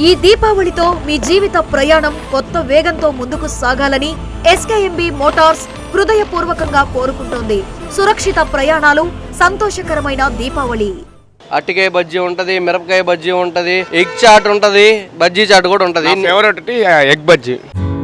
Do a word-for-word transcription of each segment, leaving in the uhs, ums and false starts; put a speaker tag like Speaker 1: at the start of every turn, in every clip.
Speaker 1: ఈ దీపావళితో మీ జీవిత ప్రయాణం కొత్త వేగంతో ముందుకు సాగాలని ఎస్కేఎంబి మోటార్స్ హృదయపూర్వకంగా కోరుకుంటోంది. సురక్షిత ప్రయాణాలు, సంతోషకరమైన దీపావళి.
Speaker 2: అట్టికాయ బజ్జీ ఉంటది, మిరపకాయ బజ్జీ ఉంటది, ఎగ్ చాట్ ఉంటది, బజ్జీ చాట్ కూడా ఉంటది.
Speaker 3: Favourite egg bajji.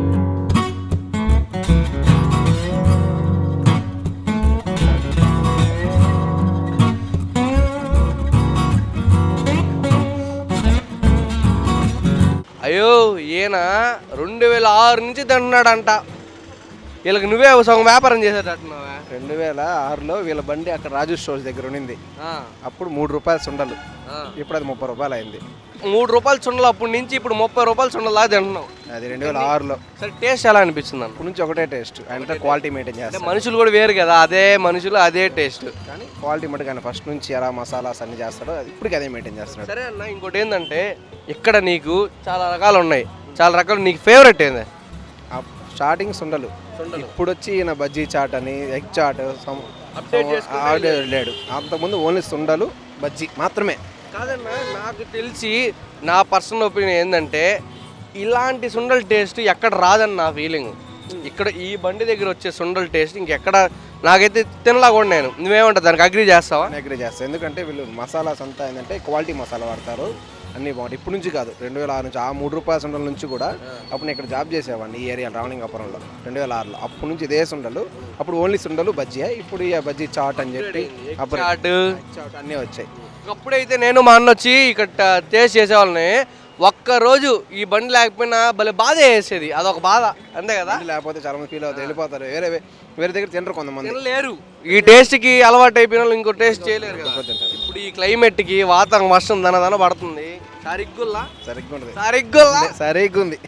Speaker 2: అయ్యో ఈయన రెండు వేల ఆరు నుంచి తింటున్నాడంట. వీళ్ళకి నువ్వే సగం వ్యాపారం చేసేటట్టున్నావా?
Speaker 3: రెండు వేల ఆరులో వీళ్ళ బండి అక్కడ రాజు స్టోర్స్ దగ్గర ఉన్నింది. అప్పుడు మూడు రూపాయలు సుండలు, ఇప్పుడు అది ముప్పై రూపాయలు అయింది.
Speaker 2: మూడు రూపాయలు సుండలు అప్పటి నుంచి ఇప్పుడు ముప్పై రూపాయలు సుండలా తింటున్నావు.
Speaker 3: అది రెండు వేల ఆరులో.
Speaker 2: సరే, టేస్ట్ ఎలా అనిపిస్తుంది?
Speaker 3: అప్పటి నుంచి ఒకటే టేస్ట్, అంటే క్వాలిటీ మెయింటైన్ చేస్తారు.
Speaker 2: మనుషులు కూడా వేరు కదా, అదే మనుషులు అదే టేస్ట్,
Speaker 3: కానీ క్వాలిటీ మటు కానీ ఫస్ట్ నుంచి ఎలా మసాలాస్ అన్ని చేస్తాడో అది ఇప్పటికి అదే మెయింటైన్ చేస్తాడు.
Speaker 2: సరే అన్న, ఇంకోటి ఏంటంటే ఇక్కడ నీకు చాలా రకాలు ఉన్నాయి, చాలా రకాలు. నీకు ఫేవరెట్ ఏంది?
Speaker 3: స్టార్టింగ్ సుండలు, ఇప్పుడు వచ్చి ఈయన బజ్జీ చాట్ అని ఎగ్ చాట్ లేడు. అంతకుముందు ఓన్లీ సుండలు బజ్జీ మాత్రమే.
Speaker 2: కాదన్నా, నాకు తెలిసి నా పర్సనల్ ఒపీనియన్ ఏంటంటే ఇలాంటి సుండల్ టేస్ట్ ఎక్కడ రాదని నా ఫీలింగ్. ఇక్కడ ఈ బండి దగ్గర వచ్చే సుండల్ టేస్ట్ ఇంకెక్కడ నాకైతే తినలా కూడా. నేను నువ్వేమంటావు, దానికి అగ్రీ చేస్తావా?
Speaker 3: అగ్రీ చేస్తాను, ఎందుకంటే వీళ్ళు మసాలాస్ అంతా ఏంటంటే క్వాలిటీ మసాలా వాడతారు, అన్నీ బాగుంటాయి. ఇప్పుడు నుంచి కాదు, రెండు వేల ఆరు నుంచి, ఆ మూడు రూపాయల సుండల నుంచి కూడా. అప్పుడు నేను ఇక్కడ జాబ్ చేసేవాడిని ఈ ఏరియా రావణింగపురంలో రెండు వేల ఆరులో. అప్పటి నుంచి ఇదే సుండలు, అప్పుడు ఓన్లీ సుండలు బజ్జీ. ఇప్పుడు ఈ బజ్జీ చాట్ అని చెప్పి అప్పుడు చాట్ అన్నీ వచ్చాయి.
Speaker 2: అప్పుడైతే నేను మా అన్న వచ్చి ఇక్కడ టేస్ట్ చేసేవాళ్ళని, ఒక్కరోజు ఈ బండి లేకపోయినా భలే బాధ వేసేది. అదొక బాధ, అంతే కదా.
Speaker 3: లేకపోతే చాలా మంది ఫీల్ అవుతారు, వెళ్ళిపోతారు, వేరే వేరే దగ్గర తినరు కొంతమంది.
Speaker 2: లేరు ఈ టేస్ట్కి అలవాటు అయిపోయిన వాళ్ళు ఇంకో టేస్ట్ చేయలేరు కదా. ఇప్పుడు ఈ క్లైమేట్కి వాతావరణం వర్షం దనదన పడుతుంది, సరిగ్గుల్లా
Speaker 3: సరిగ్గా ఉంటుంది,
Speaker 2: సరిగ్గుల్లా
Speaker 3: సరిగ్గా ఉంది.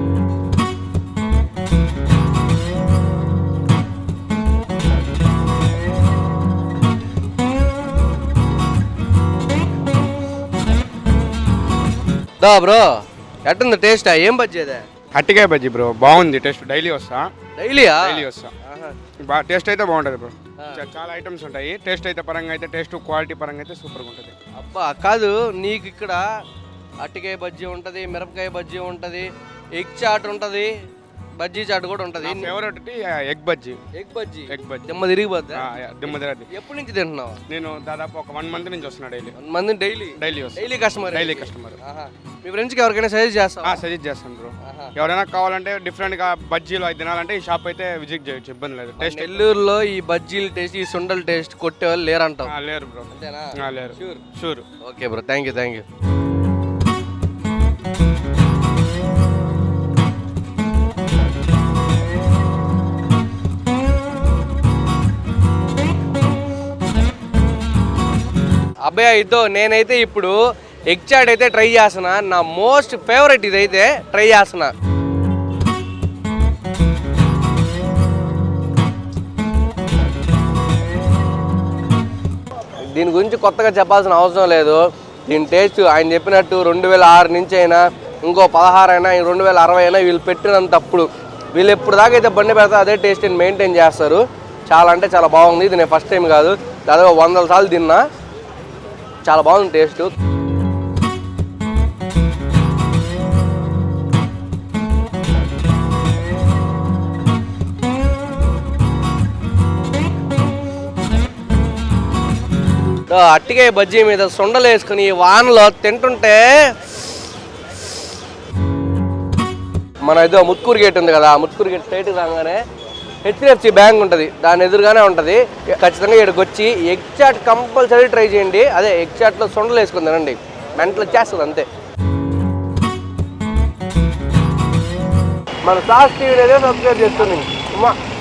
Speaker 2: దా బ్రో, ఎట్టుంది టేస్ట్? ఏం బజ్జీ అదే?
Speaker 3: అట్టికాయ బజ్జీ బ్రో, బాగుంది టేస్ట్. డైలీ వస్తా,
Speaker 2: డైలీయా?
Speaker 3: డైలీ వస్తా. బాగా టేస్ట్ అయితే బాగుంటుంది బ్రో. చాలా ఐటమ్స్ ఉంటాయి. టేస్ట్ అయితే పరంగా అయితే, టేస్ట్ క్వాలిటీ పరంగా అయితే సూపర్గా ఉంటుంది.
Speaker 2: అబ్బా కాదు, నీకు ఇక్కడ అట్టికాయ బజ్జీ ఉంటుంది, మిరపకాయ బజ్జీ ఉంటుంది, ఎగ్ చాట్ ఉంటుంది, బజ్జీ చాట్ కూడా ఉంటుంది.
Speaker 3: Favourite egg bajji.
Speaker 2: Egg bajji,
Speaker 3: egg bajji
Speaker 2: దిమ్మ తిరిగిపోద్ది.
Speaker 3: దిమ్మ తిరగదు.
Speaker 2: ఎప్పటి నుంచి తింటున్నావు?
Speaker 3: నేను దాదాపు ఒక వన్ మంత్ నుంచి వస్తున్నా. Daily
Speaker 2: one month daily
Speaker 3: daily వస్తా.
Speaker 2: Daily customer
Speaker 3: daily customer.
Speaker 2: మీ ఫ్రెండ్స్కి ఎవరికైనా సజెస్ట్ చేస్తావా?
Speaker 3: సజెస్ట్ చేస్తాను బ్రో. ఎవరైనా కావాలంటే డిఫరెంట్గా బజ్జీలు అది తినాలంటే ఈ షాప్ అయితే విజిట్ చేయొచ్చు, ఇబ్బంది లేదు. టేస్ట్
Speaker 2: నెల్లూరులో ఈ బజ్జీల టేస్ట్, ఈ సుండల్ టేస్ట్ కొట్టే వాళ్ళు లేరంటావు?
Speaker 3: లేరు బ్రో.
Speaker 2: అంతేనా?
Speaker 3: లేరు.
Speaker 2: Sure
Speaker 3: sure.
Speaker 2: Okay bro, thank you thank you. అబ్బాయి ఇదో నేనైతే ఇప్పుడు ఎగ్ చాట్ అయితే ట్రై చేస్తున్నా. నా మోస్ట్ ఫేవరెట్ ఇదైతే ట్రై చేస్తున్నా. దీని గురించి కొత్తగా చెప్పాల్సిన అవసరం లేదు. దీని టేస్ట్ ఆయన చెప్పినట్టు రెండు వేల ఆరు నుంచి అయినా, ఇంకో పదహారు అయినా, రెండు వేల అరవై అయినా వీళ్ళు పెట్టినంతప్పుడు వీళ్ళు ఎప్పుడు దాకా అయితే బండి పెడతారు అదే టేస్ట్ని మెయింటైన్ చేస్తారు. చాలా అంటే చాలా బాగుంది. ఇది నేను ఫస్ట్ టైం కాదు, దాదాపు వందల సార్లు తిన్నా. చాలా బాగుంది టేస్ట్. అట్టికాయ బజ్జీ మీద సొండలు వేసుకుని వానలో తింటుంటే, మన ఏదో ముత్కూరు గేట్ ఉంది కదా, ముత్కూరు గేట్ స్ట్రైట్ రాగానే హెచ్డిఎఫ్సి బ్యాంక్ ఉంటుంది, దాని ఎదురుగానే ఉంటుంది. ఖచ్చితంగా ఇక్కడికి వచ్చి ఎగ్ చాట్ కంపల్సరీ ట్రై చేయండి. అదే ఎగ్ చాట్లో సొండలు వేసుకుని తినండి, మెంటల్ వచ్చేస్తుంది అంతే. మన సాస్ టీవీ సబ్స్క్రైబ్ చేస్తుంది.